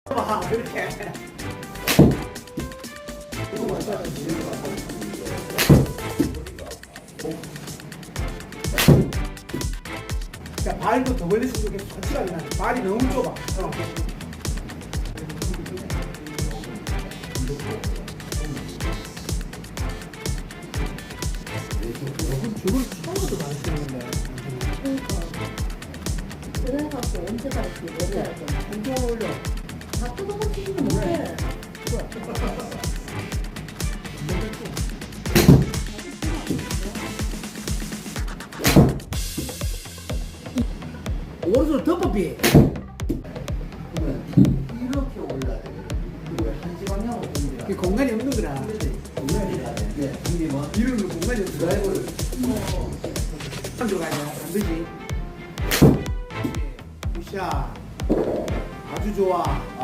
봐, 그렇게. 야, 발도 더 걸렸으면 좋겠어. 확실하게 나. 발이 너무 좁아. 줄을 처음부터 많이 쓰는데. 그래갖고 언제 갈지 못해. 엄청 올려. 다 뜯어먹기는 못해. 오른손 덮어비. 이렇게 올라야 돼. 그리고 한시 방향으로 옮겨야 그 공간이 없는 거라. 네, 이게 뭐 이런 거 공간이 없어. 드라이브를 안 들어가야 돼. 안 되지. 굿샷. 아주 좋아.